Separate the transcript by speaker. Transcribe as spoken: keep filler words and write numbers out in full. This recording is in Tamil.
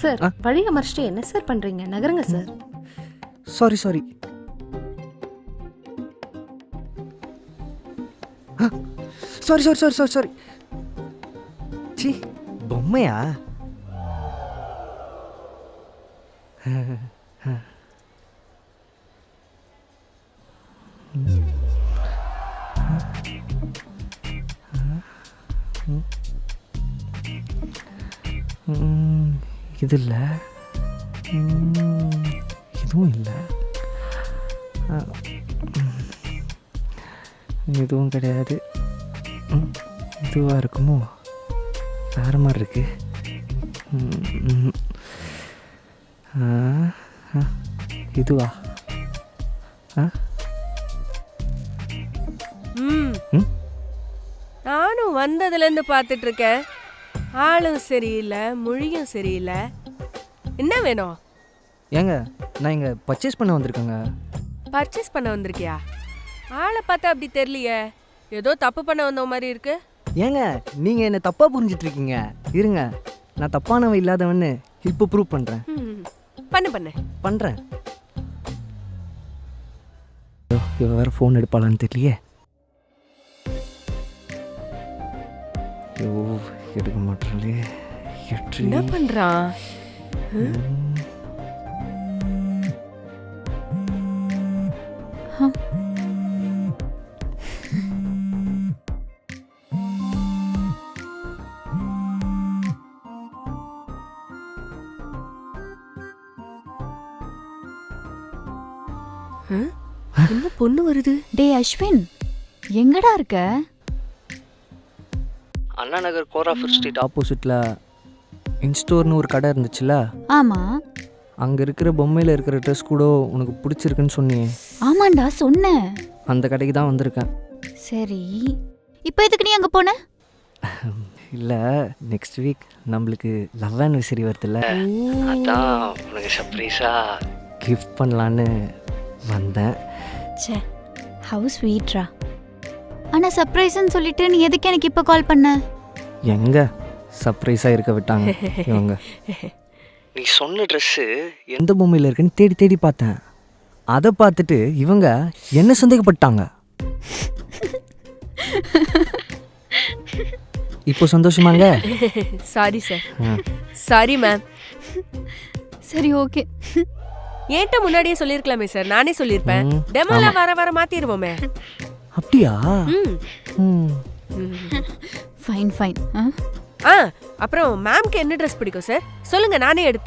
Speaker 1: சார் வழி அமர்ச்சிட்டு என்ன சார் பண்றீங்க? நகருங்க sir.
Speaker 2: Sorry sorry sorry sorry sorry sorry sorry சி பொம்மையா? இது இல்லை, இதுவும் இல்லை, இதுவும் கிடையாது. இதுவாக இருக்குமோ? வேறு மாதிரி இருக்கு. இதுவா?
Speaker 3: ம் நானும் வந்ததுலேருந்து பார்த்துட்டு இருக்கேன். ஆளும் சரியில்லை, மொழியும் சரியில்லை. என்ன வேணும்?
Speaker 2: ஏங்க நான் இங்கே பர்ச்சேஸ் பண்ண வந்திருக்கேங்க.
Speaker 3: பர்ச்சேஸ் பண்ண வந்திருக்கியா? ஆளை பார்த்தா அப்படி தெரியலையே, ஏதோ தப்பு பண்ண வந்த மாதிரி இருக்கு.
Speaker 2: ஏங்க நீங்கள் என்னை தப்பாக புரிஞ்சிட்டு இருக்கீங்க. இருங்க, நான் தப்பானவன் இல்லாதவன்னு இப்போ ப்ரூவ் பண்ணுறேன்.
Speaker 3: பண்ணு பண்ணு
Speaker 2: பண்ணுறேன். இவ வேறு ஃபோன் எடுப்பாளான்னு தெரியலையே. ஐயோ எடுக்க மாட்டாளே.
Speaker 3: என்ன பண்றான்? என்ன பொண்ணு வருது?
Speaker 4: டே அஸ்வின், எங்கடா இருக்க?
Speaker 2: அண்ணா நகர் கோராஃபர் ஸ்ட்ரீட் ஆப்போசிட்டில் இன்ஸ்டோர்னு ஒரு கடை இருந்துச்சுல்ல?
Speaker 4: ஆமா.
Speaker 2: அங்கே இருக்கிற பொம்மையில் இருக்கிற ட்ரெஸ் கூட உனக்கு பிடிச்சிருக்குன்னு சொன்னியே.
Speaker 4: ஆமாண்டா சொன்னேன்.
Speaker 2: அந்த கடைக்கு தான் வந்திருக்கேன்.
Speaker 4: சரி, இப்போ எதுக்கு நீ அங்கே போன?
Speaker 2: இல்லை, நெக்ஸ்ட் வீக் நம்மளுக்கு லவ் ஆனிவர்சரி வருதுல்ல, அதான் உனக்கு சர்ப்ரைஸாக கிஃப்ட் பண்ணலான்னு வந்தேன்.
Speaker 4: சே, ஹவு ஸ்வீட்ரா. ஆனால் சர்ப்ரைஸ்ன்னு சொல்லிட்டு நீ எதுக்கு எனக்கு இப்போ கால் பண்ண?
Speaker 2: எங்க சர்ப்ரைஸாக இருக்க விட்டாங்க இவங்க. நீ சொன்ன ட்ரெஸ்ஸு எந்த பொம்மையில் இருக்குன்னு தேடி தேடி பார்த்தேன். அதை பார்த்துட்டு இவங்க என்ன சந்தேகப்பட்டாங்க. இப்போ சந்தோஷமாங்க?
Speaker 3: Sorry sir. Sorry ma'am.
Speaker 4: சரி ஓகே.
Speaker 3: ஏன்ட்ட முன்னாடியே சொல்லியிருக்கலாமே சார், நானே சொல்லியிருப்பேன். டெமோல வர வர மாத்திடுவோமே.
Speaker 2: அப்படியா?
Speaker 4: Fine fine.
Speaker 3: ஆ அப்புறம் மேம்க்கு என்ன ட்ரெஸ் பிடிக்கும் சார் சொல்லுங்க, நானே எடுத்து